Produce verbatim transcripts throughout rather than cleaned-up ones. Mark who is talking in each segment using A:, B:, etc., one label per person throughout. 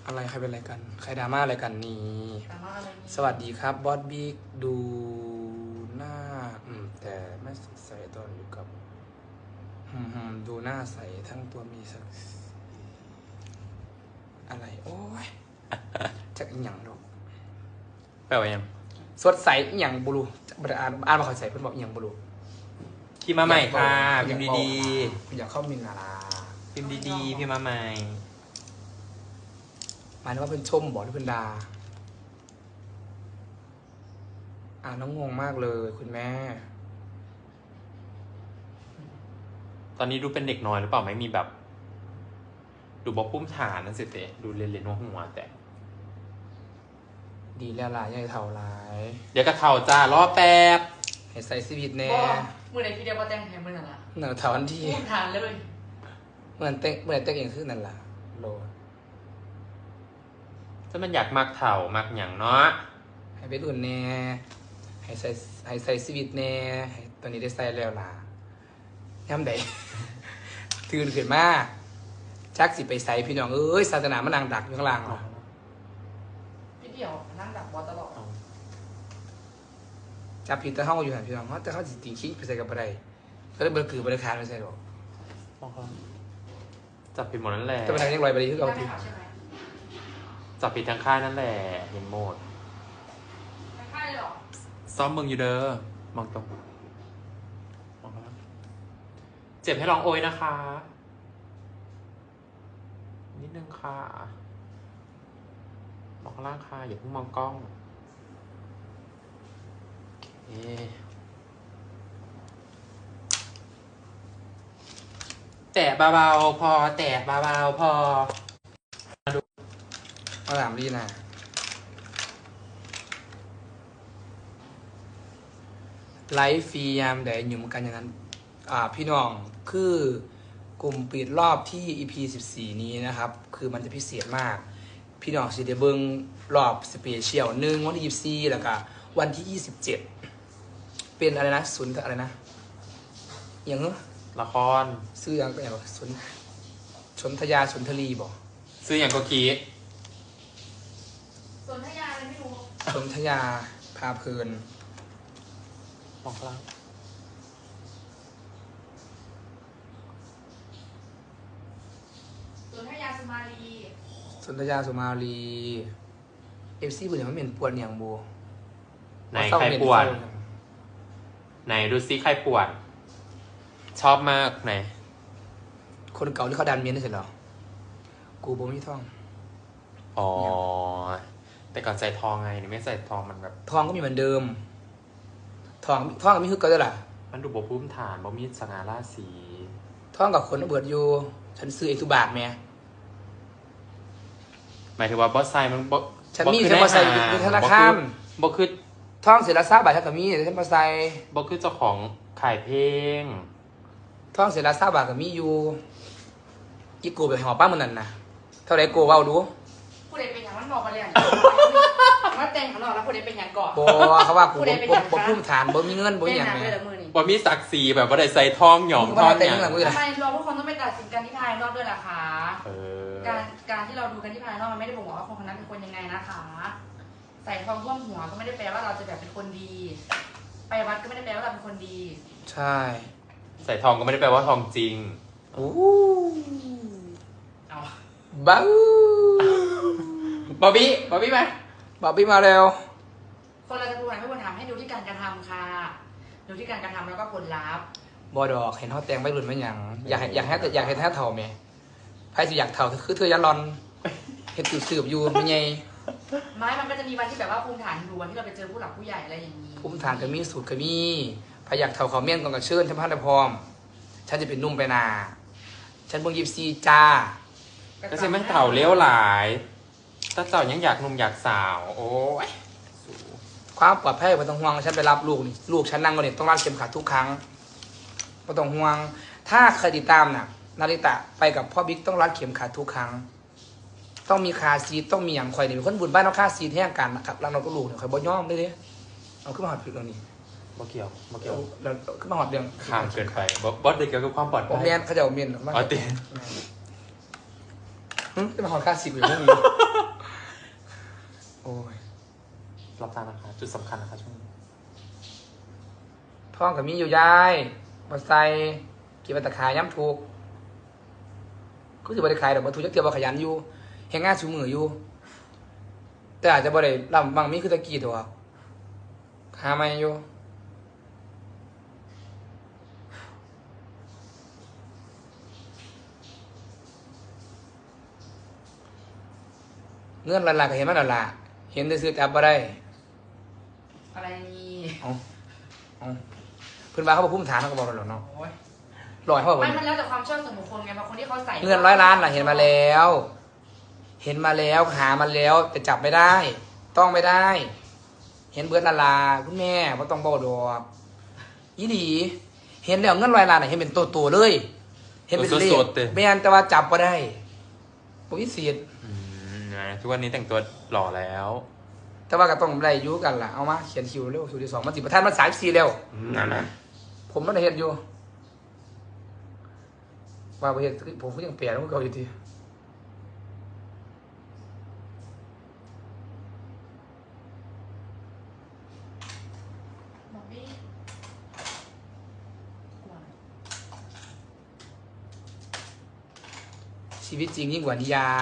A: อะไรใครเป็นอะไรกันใครดราม่าอะไรกันนี่สวัสดีครับบอสบิ๊กดูหน้าอืมแต่ไม่สดใสตอนอยู่กับอืมดูหน้าใสทั้งตัวมีสักอะไรโอ้ยจากอีหยังดอก
B: แปลว่ายัง
A: สดใสอีหยังบุรุบอ่านอ่านมาขอใส่เพื่อนบอกอีหยังบุรุ
B: พี่มาใหม่ค่ะพิมพ์ดี
A: ๆอยากเข้ามินนารา
B: ๆพิมพ์ดีๆพี่มาใหม่
A: หมายถึงว่าเป็นชมบอกหรือเป็นดาอ่านน้องงงมากเลยคุณแม่
B: ตอนนี้ดูเป็นเด็กน้อยหรือเปล่าไม่มีแบบ ดูบอกพุ่มฐานนั่นสิเตะดูเรียนเรียนหัวแต่
A: ดีแล้วล่ะยังเท่าไร
B: เดี๋ยวกระเท่าจ้ารอแป๊บ
A: ให้ใส่ชีวิตแน่
C: มือไหนพี่เดียวว่าแต่งแหมมือนั่นละ
A: หนังเท่าอันที่
C: พูดทานเลย
A: เหมือนเต้เหมือนเต้เองคือนั่นล่ะโล
B: ถ้ามันอยากมักเถ่ามักหยังเนาะ
A: ให้ไปอุ่นแน่ให้ใส่ให้ใส่ชีวิตแน่ให้ตอนนี้ได้ใส่แล้วล่ะย่ำใด ตื่นขึ้นมาจักสิไปใส่พี่น้องเอ้ยศาสนามันนางดักอยู่ข้างล่างเหรอ
C: พี่เดียวนั่งดักบอลตลอด
A: จับผิดแต่ห้องอยู่หันพี่น้องแต่เขาสิติงคิงไปใส่กับอะไรก็เลยเบอร์คือบริการไม่ใส่หรอก
B: จับผิดหมดนั่นแหละ
A: แต่ปัญหายังลอยไปที่
C: เรา
A: เรา
C: ไม่
A: ที
C: ขาวใช่ไหม
B: จับผิดทางค่ายนั่นแหละเห็นหมด
C: ไม่ค่ายเลยหรอ
B: ซ้อมมึงอยู่เด้อมองตรงมองข้างล่างเจ็บให้ลองโอยนะคะ นิดนึงค่ะมองข้างล่างค่ะอย่าเพิ่งมองกล้องโอเคแตะเบาๆพอแตะเบาๆพอ
A: มาถามลีนะไลฟ์ฟรียามใดอยู่เหมือนกันอย่างนั้น อ่าพี่น้องคือกลุ่มปิดรอบที่ อี พี สิบสี่ นี้นะครับ คือมันจะพิเศษมาก พี่น้องสิเดเบิงรอบสเปเชียลหนึ่งวันที่ยี่สิบสี่แล้วก็วันที่ยี่สิบเจ็ดเป็นอะไรนะศูนย์อะไรนะอย่างเงี้ย
B: ละคร
A: ซื้ออย่างก็อย่างสนชนทยาสนทรีบอก
B: ซื้ออย่างก็กี้
C: ส่วนทยาอะไรไม่รู้
A: สนทยาพาเพลิน
B: มองข้างล่าง
C: ส่วนทยาสมาลี
A: สนทยาสุมาลีเอฟซีบุญอย่างมันเป็นปวดอย่างโบ
B: ไหนใครปวดไหนดูซิใครปวดชอบมากไหน
A: คนเก่าที่เขาดันเมียนได้เสร็จหรอกูบ่มีท่อง
B: อ๋อแต่ก่อนใส่ทองไงนี่ไม่ใส่ทองมันแบบ
A: ทองก็มีเหมือนเดิมทองทองก็มีคือเก่าด้วยล่ะ
B: มันดูบพุ่มฐานบ่มีสง่าราศี
A: ทองกับคนเบิดอยู่ฉันซื้อเอกทุบาทแม่
B: หมายถึงว่าบอสไซมันบ
A: ฉันมีฉันมาใส่ในธนาคาร
B: บอคือ
A: ทองเสียละซาบาทฉันก็มีฉันมาใส่
B: บอคือเจ้าของขายเพลง
A: ทองเสียละซาบาทก็มีอยู่อีโกไปหอป้ามันนั่นนะเท่าไรโกเว้าดู
C: ผู้ใดเป็นอย่างมันบอกมาเลยมาแต่งของเราแล้วผู้ใดเป็นอย่างก่อน
A: บอเขาว่ากูบ่บ่บ่พุ่มฐานบ่มีเงินบ่มี
C: เป็น
A: อย่าง
C: หนัง
A: แม่
C: เลยเหรอมือนี่
B: บอมีศักดิ์ศรีแบบว่าได้ใส่ทองหยอง
A: มึง
B: ท
A: มา
B: อง
A: เต็ม
B: อย่าง
A: หลังมือ
C: ทำไมเราทุกคนต้องไปตัดสินกันที่ภายนอกด้วยล่ะคะ
B: เออ
C: การการที่เราดูกันที่ภายนอกมันไม่ได้บอกว่าคนคนนั้นเป็นคนยังไงนะคะ ใส่ทองท่วมหัวก็ไม่ได้แปลว่าเราจะแบบเป็นคนดี ไปวัดก็ไม่ได้แปลว่าเราเป็นคนดี
A: ใช่
B: ใส่ทองก็ไม่ได้แปลว่าทองจริง
A: โอ้
C: เอา
A: บ้า
B: บอบบี้บอบบี้ไหม
A: บอบบี้มาเร็ว
C: คนเราจะดูไหนไม่ควรทำให้ดูที่การกระทำค่ะ ดูที่การกระทำแล้วก็ผลลัพธ์
A: บอดอกเห็นเขาแต่งไม่รุนไม่หยังอยากให้อยากให้อยากให้แท้เท่าไหมใครสิอยากเท่าคือเธอยันรอนเห็ดสืบอยู่ไม่ไง
C: ไม้มันก็จะมีวันที่แบบว่าภูมิฐานดูวันที่เราไปเจอผู้หลักผู้ใหญ่อะไรอย่างนี้
A: ภูมิฐานก็มีสูตรก็มีพอยากเท่าเขาเมี่ยนก่อนกับเชิญฉันพันธพร้อมฉันจะเป็นนุ่มไปนา ฉันเพิ่งยิบซีจ้า
B: ก็ใช่ไม่เต่าเลี้ยวหลายถ้าเต่ายังอยากหนุ่มอยากสาว โอ้ย
A: ความปลอดภัยไม่ต้องห่วงฉันไปรับลูกนี่ลูกฉันนั่งก็เนี่ยต้องรัดเข็มขัดทุกครั้งไม่ต้องห่วง ถ้าเคยติดตามน่ะนาริตะไปกับพ่อบิ๊กต้องรัดเข็มขัดทุกครั้ง ต้องมีคาซีทต้องมีอย่างคอยเนี่ยเป็นคนบุญบ้านต้องคาซีทแห้งกันนะครับรังเราก็ลูกเนี่ยคอยบ่ย่อมได้เลยเอาขึ้นมาหอดผิดตรงนี้
B: บ่เกี่ยวบ่เกี่ยว
A: เราขึ้นมาหอดเรื่อง
B: ข้ามเกินไปบอบอสเด็กเกี่ยวกับความปลอด
A: ผม
B: ภัย
A: เมียนเขาจะเอาเมียนมาก
B: อ๋อติ
A: ขึ้นมาหอดคาซีทอยู่พวกนี้
B: จุดสำคัญนะคะช่วงนี้
A: ท้องกับมีอยู่ย้ายมาใส่กินมาตะขายย้ำถูกก็คือบริขายดอกมาถูกจักเทียบว่าขยันอยู่แหงงานสูมืออยู่ แต่อาจจะบริลำบางมีคือตะกี้ตัวหาไม่อยู่เงื่อนละลายก็เห็นมันละละเห็นได้ซื้อจับมาได้
C: อะไรนี่
A: เอาเอาเพื่อนบ้านเขาบอกพุ่มฐานเขาก็บอกเราหรอกเนาะ
C: โอ้ย
A: ลอยเขาบอก
C: ไม่
A: ว่า
C: มันแล้วแต่ความชอบส่วนบุคคลไงบางคนที่เขาใส่
A: เงินร้อยล้านล่ะเห็นมาแล้ว เห็นมาแล้วหามาแล้วแต่จับไม่ได้ ต้องไม่ได้ เห็นเบิร์ดละลาคุณแม่ว่าต้องบอกดอกอีดีเห็นแล้วเงินร้อยล้านน่ะเห็นเป็นตัวตัวๆเลย เห็นเป็นเลขไม่อันแต่ว่าจับก็ได้ปวิสิทธิ์
B: อืมนะทุกวันนี้แต่งตัวหล่อแล้ว
A: แต่ว่าก็ต้องได้อยุกันล่ะเอามาเขียนคิวเร็วสูตรที่สองมันสิบประธานมันสายสี่เร็ว
B: นั่นนะ
A: ผมมันได้เห็นอยู่ว่าประเทศผมก็ยังเปลี่ยนแล้วก็เก่าอยู่ที
C: บอกไม่กลัว
A: ชีวิตจริงยิ่งกว่านิยาย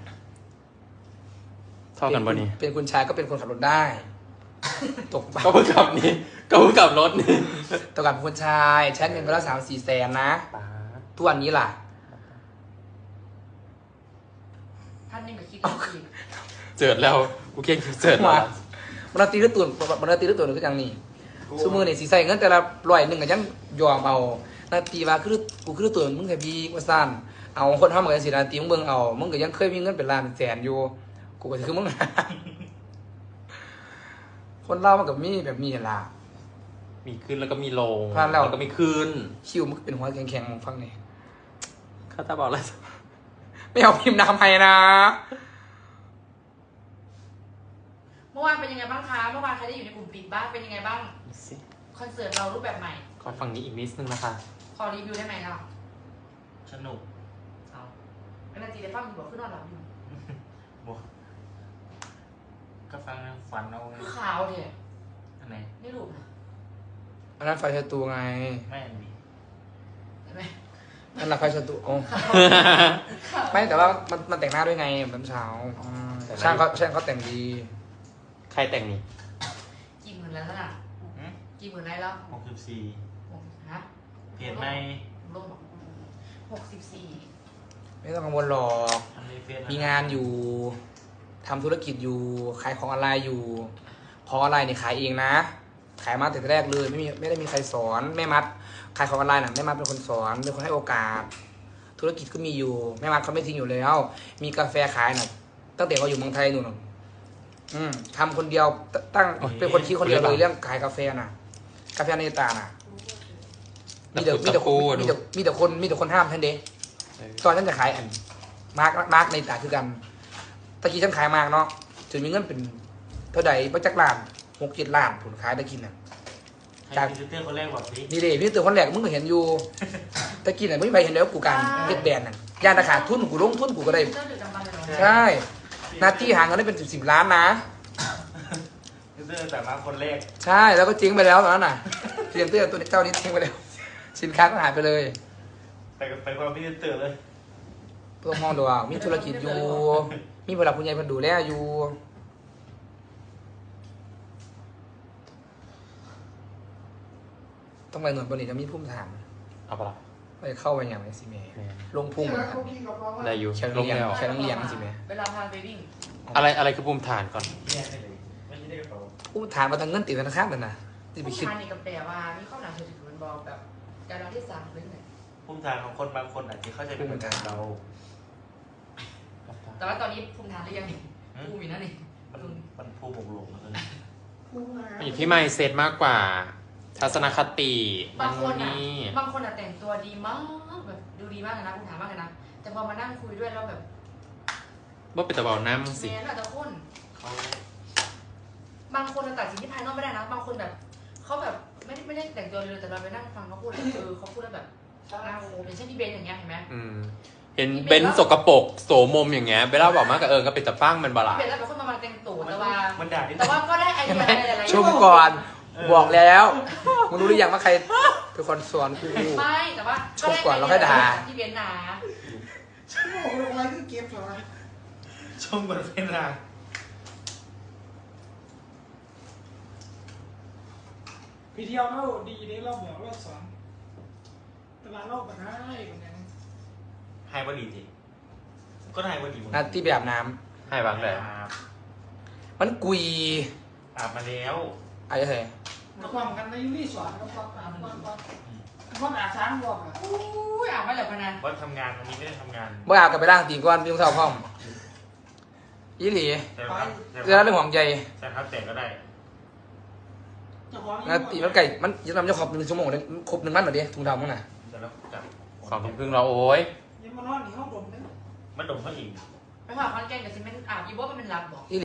B: เท่ากันปะนี่
A: เป็นคุณชายก็เป็นคนขับรถได้ ตกปะ
B: ก็เพิ่งขับนี่ก็เพิ่งขับรถนี่
A: ตกกับเป็นคนชายใช้เงินไปแล้วสามสี่แสนนะ
B: ป๊าด
A: ทุกวันนี้ล่ะ
C: ท่านนี่แบบคิดดีอีก
B: เจิดแล้วกูเก่งเจิดแล้ว
A: มา มันตีหรือตุนมันตีหรือตุนก็ยังนี่ซูมือนี่สีใส่เงินแต่ละร้อยหนึ่งก็ยังยอมเอานาตีว่าคือกูคือตุนมึงแค่บีว่าสั้นเอาคนทำเหมือนกันสินาตีมึงเบิ่งเอามึงก็ยังเคยมีเงินเป็นล้านเป็นแสนอยู่กูก็คือมึง คนเล่ามันกับมีแบบมีล่ะ
B: มีขึ้นแล้วก็มีลง
A: พลาดแล้ว
B: ก็มีขึ้น
A: คิวมันก็เป็นหัวแข็งๆฟังนี่
B: ข้าตาบอกอะไร
A: ไม่เอาพิมพ์นำให้นะ
C: เมื่อวานเป็นยังไงบ้างคะเมื่อวานใครได้อยู่ในกลุ่มปิดบ้างเป็นยังไงบ้าง
B: ดูสิ
C: คอนเสิร์ตเรารูปแบบใหม่
B: ขอฝั่งนี้อีกนิดนึงนะคะ
C: ขอรีวิวได้ไหมล่ะ
D: สนุก
C: เอาเป็นนาทีเดฟ้ามีบอกขึ้นนอนหลับอยู่
D: บวกก็ฟังนะฝันเอา
C: คือขาวเถอะ
D: อันไหน
C: นี่รูปนะ
A: อันนั้นไฟชะตูไง
D: ไม่อันนี้
C: เห็นไหม
A: นั่นแหละไฟชะตูโอ้ไม่แต่ว่ามันมันแต่งหน้าด้วยไงเหมือนเช้าอืมช่างเขาช่างเขาแต่งดี
B: ใครแต่งนี่
C: กี่หมื่นแล้วน่ะ
D: หืม
C: กี่หมื่นได้แล้ว
D: หกสิบสี่
C: หกฮะ
D: เพจใน
C: ลงหกสิบสี่
A: ไม่ต้องกังวลหรอก
D: ทำในเฟซ
A: มีงานอยู่ทำธุรกิจอยู่ขายของออนไลน์อยู่ของออนไลน์เนี่ยขายเองนะ ขายมาแต่แรกเลยไม่มีไม่ได้มีใครสอนแม่มัดขายของออนไลน์น่ะแม่มัดเป็นคนสอนเป็นคนให้โอกาส ธุรกิจก็มีอยู่แม่มัดเขาไม่ทิ้งอยู่แล้ว มีกาแฟขายน่ะตั้งแต่เขาอยู่เมืองไทยนู่นน่ะอืมทำคนเดียวตตั้งเป็นคนคิดคนเดียวเลยเรื่องขายกาแฟน่ะ กาแฟในตาน่ะมีแต่มีแต่คนมีแต่มีแต่คนมีแต่คนห้ามท่านเด็ก ตอนฉันจะขายอันมาร์กมาร์กในตาคือกันตะกี้ฉันขายมากเนาะถึงมีเงินเป็นเท่าใดประจักล้านหกเจ็ดล้านผลขายตะกินน่ะ
D: ให้พรีเซนเตอร์คนแรกบอกสิ
A: นี่เด้พี่ตื่นคนแรกมึงก็เห็นอยู่ตะกินน่ะไม่มีใครเห็นแล้วกูการเฮ็ดแบรนด์น่ะยานราคาทุนกูลงทุนกูก็ได้
C: เจ้าดึกดำบรรพ์เลยเหรอ
A: ใช่หน้าที่หาเงินได้เป็นสิบสิบล้านนะ
D: พรีเซนเตอร์แต่มาคนแรก
A: ใช่แล้วก็จริงไปแล้วตอนนั้นน่ะเตรียมเตื้อตัวนี้เจ้านี้ทิ้งไปแล้วสินค้าก็หายไปเลย
D: ไปไปคนละพรีเซนเตอร์เลย
A: เพื่อมองดูว่ามีธุรกิจอยู่ มีเวลาคุณยายเพิ่นดูแลอยู่ต้องไปหน่วยบริจะมีพุ่มถาม
B: เอาปะล่ะ
A: ไปเข้าไปอย่างไรสิเมย์
B: แม่
A: ลงพุ่ง
B: ได้อยู่
A: แค่
B: ล
A: ต้อง
B: ง
A: เลี้ยง
B: แล้ว
A: แค่ต้องเลี้ยงสิเมย์
C: เวลาพาไปวิ่ง
B: อะไรอะไรคือภูมิฐานก่อน
D: แยกได้เลยไม่ใช่ได้กระเป๋า
A: พุ่มถามมาทางเงินติดธนาคารนั่นนะที่ไป
C: ผู้
A: คิด
C: ชายนี่กับแปลว่ามีข้อหนาเธอถือมันบอกแบบการเราที่สามหรือไง
D: ภูมิฐานของคนบางคนอาจจะเข้าใจไม่เหมือนกันเรา
C: แต่ว่าตอนนี้ภูมิฐานหรือยังนี่ภูมิอยู่นั่นนี่
D: มันมันภูมิหกหลงแล้วกัน
B: มันอยู่ที่ไมเซ็ตมากกว่า ทัศนคติ
C: บางคนอ่ะ
B: นี่
C: บางคนอ่ะแต่งตัวดีมากแบบดูดีมากเลยนะภูมิฐานมากเลยนะแต่พอมานั่งคุยด้วยแล้วแบบ
B: ว่าเป็นตะเบาน้ำสิ
C: แม้อาจจะคน
D: เขา
C: บางคนตัดสินที่ภายนอกไม่ได้นะบางคนแบบเขาแบบไม่ได้ไม่ได้แต่งตัวเลยแต่เราไปนั่งฟังเขาพูดเลยเออเขาพูดแล้วแบบน่าโคอย่างเช่นที่เบนอย่างเงี้ยเห็นไหม
B: อืมเห็นเบนซ์สกปรกโสมมอย่างเงี้ยเบลล่าบอกมากกับเออก็เป็นตะปั้งมันบลา
C: เบนแล้วแบบคนมามาแต่งตัวแต่ว่า
D: มันด่าที่
C: แต่ว่าก็ได้ไอ
A: เห็น
C: เดี
A: ไหม
C: ยอะไรหลายๆ
A: ชมก่อนบอกแล้วมึงรู้หรือยังว่าใครเป็นคนสอนกู
C: ไม่แต่ว่า
A: ชมก่อนแล้วค่อยด่า
C: ที่เบียนด่า
E: ฉันบอกลงมาคือเก็บเหรอ
D: ชมบนเป็นด่า
E: พี่เที่ยวเล่าดีนี่เราบอกเราสอนแต่ว่าเราแบบให้เหมือนกัน
D: ไฮว่าดีจริงก็ไฮว่าดี
A: นัดที่ไปอาบน้
B: ให้บางเลย
A: ำมันกุย
D: อาบมาแล้ว
A: อะไรเถอะ
E: มาความกันในยูนี่สอนก็ความอ่านความความความอ่านช้างบอกอ่ะ
C: อุ้ยอ่านไม่เหลือพนัน
D: ว่าทำงานวันนี้ไม่ได้ทำงาน
A: เมื่ออาบกับไปล่างตีนก้อนพี่ต้องเท่าพ่อมยี่หลี
D: แต่ครับ
A: เรื่องเรื่องห่วงใจ
D: แต่ครับแต่ก็ได้
E: เจ้าของ
A: นะตีมันไก่มันยันทำจะขอบหนึ่งชั่วโมงเลยครบหนึ่งมันเหรอเดียถุงดำมั้งน่ะ
D: แต่แล้วจับ
B: สองทุ่มครึ่งเราโอ้ย
E: ยังมานอนในห้องดมเลย
D: มันดมเขาอีก
C: ไปผ่าคอนแกนกับซีเมนต์อาบอีโบมันเป็นรับบอก